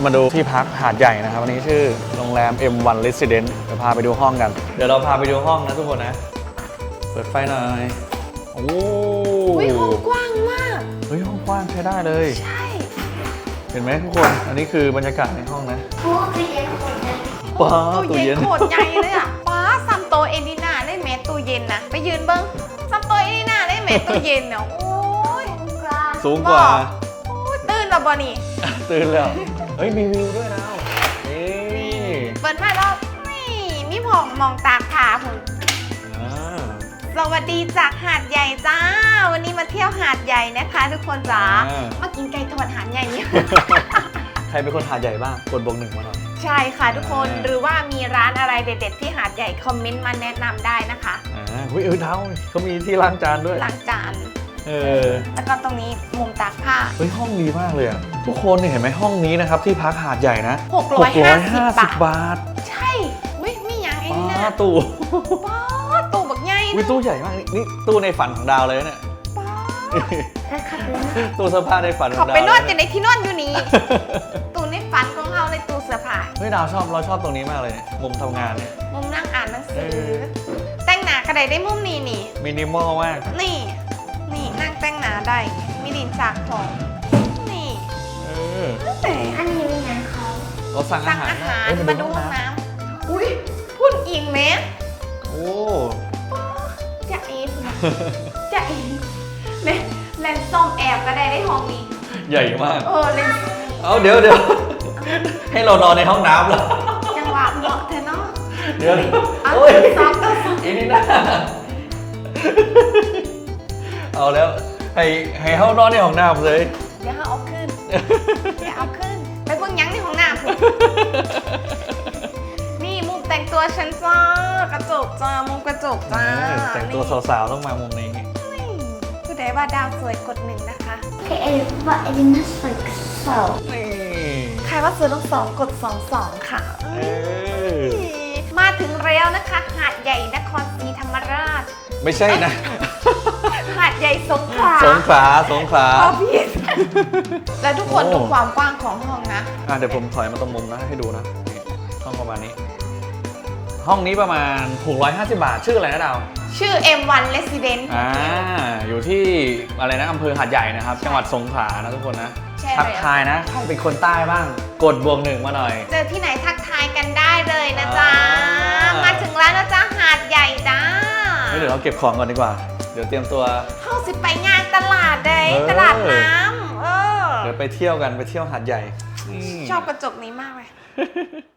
มาดูที่พักหาดใหญ่นะครับวันนี้ชื่อโรงแรม M1 Residence เดี๋ยวพาไปดูห้องกันเดี๋ยวเราพาไปดูห้องนะทุกคนนะเปิดไฟหน่อยโอ้ยห้องกว้างมากเฮ้ยห้องกว้างใช้ได้เลยใช่เห็นไหมทุกคนอันนี้คือบรรยากาศในห้องนะป้าตู้เย็นโคตรใหญ่เลยอ่ะป้าซัมโตเอดิน่าได้เมตรตู้เย็นนะไปยืนเบิ้งซัมโตเอดิน่าได้เมตรตู้เย็นเนาะโอ้ยสูงกว่าโอ้ยตื่นแล้วบ่นี่ตื่นแล้วเฮ้ยมีวิวด้วยนะนี่เปิดมาแล้วนี่มีผองมองตากผาผมอ่าสวัสดีจากหาดใหญ่จ้าวันนี้มาเที่ยวหาดใหญ่นะคะทุกคนจ้ามากินไก่ทอดหาดใหญ่เนี่ยใครเป็นคนหาดใหญ่บ้างกดบวก 1มาหน่อยใช่ค่ะทุกคนหรือว่ามีร้านอะไรเด็ดๆที่หาดใหญ่คอมเมนต์มาแนะนำได้นะคะอุ้ยเท้าเขามีที่ล้างจานด้วยล้างจาน แล้วก็ตรงนี้มุมตากผ้าเฮ้ยห้องดีมากเลยอะทุกคนเห็นไหมห้องนี้นะครับที่พักหาดใหญ่นะ 650 บาทใช่อุ้ยมีอย่างไอ้นี่ป้านะตู้ป้าตู้บักใหญ่วิตู้ใหญ่มากนี่ตู้ในฝันของดาวเลยเนี่ยป้าตู้เสื้อผ้าในฝันขเขาองดาวไปนอนจะในที่นอนอยู่นี้ ตู้ในฝันของเราในตู้เสื้อผ้าเฮ้ยดาวเราชอบตรงนี้มากเลยเนี่ยมุมทำงานเนี่ยมุมนั่งอ่านหนังสือ แต่งหน้ากระไดได้มุมนี้นี่มินิมอลมากนี่นั่งแต่งหน้าได้มีดินสากของนี่อันนี้มีงานเขาเราสั่งอาสั่งหารอาหารเอ้ยมาดูห้องน้ำอุ้ยพุ่นอิงไหมโอ้จะเอฟนะจะเอฟเลนส์ส้มแอบก็ได้ห้องนี้ใหญ่มากเลนส์เอาเดี๋ยวให้เรานอนในห้องน้ำเหรอจังหวะเหมาะเธอเนาะเดี๋ยวเอาโอ้ยซอฟต์ก็ซอฟต์อีนี่นะเอาแล้วให้เขานอนในห้องน้ำเลยเดี๋ยวเอาขึ้นไปเบิ่งยังในห้องน้ำพุ่นนี่มุมแต่งตัวฉันจ้ากระจกจ้ามุมกระจกจ้าแต่งตัวสาวๆต้องมามุมนี้ผู้ใดว่าดาวสวยกด1นะคะโอเคว่าเอลิน่าสวยสาวนี่ใครว่าสวยต้อง2กด22ค่ะเออมาถึงแล้วนะคะหาดใหญ่นครศรีธรรมราชไม่ใช่นะหาดใหญ่สงขลาสงขลาพอผิดแล้วทุกคนโอ้ดูความกว้างของห้องนะเดี๋ยวผมถอยมาตรงมุมนะให้ดูนะนี่ห้องประมาณนี้ ห้องนี้ประมาณ650 บาทชื่ออะไรนะดาวชื่อ M1 Resident อยู่ที่อะไรนะอำเภอหาดใหญ่นะครับ จังหวัดสงขลานะทุกคนนะใช่ทักทายนะใครเป็นคนใต้บ้าง กดบวก 1มาหน่อยเจอที่ไหนทักทายกันได้เลยนะจ๊ะอ่ามมาถึงแล้วนะจ๊ะหาดใหญ่จ้าเดี๋ยวเราเก็บของก่อนดีกว่า เดี๋ยวเตรียมตัวเข้าสิไปงานตลาดเลยเออตลาดน้ำเดี๋ยวไปเที่ยวกันไปเที่ยวหาดใหญ่ชอบกระจกนี้มากเลย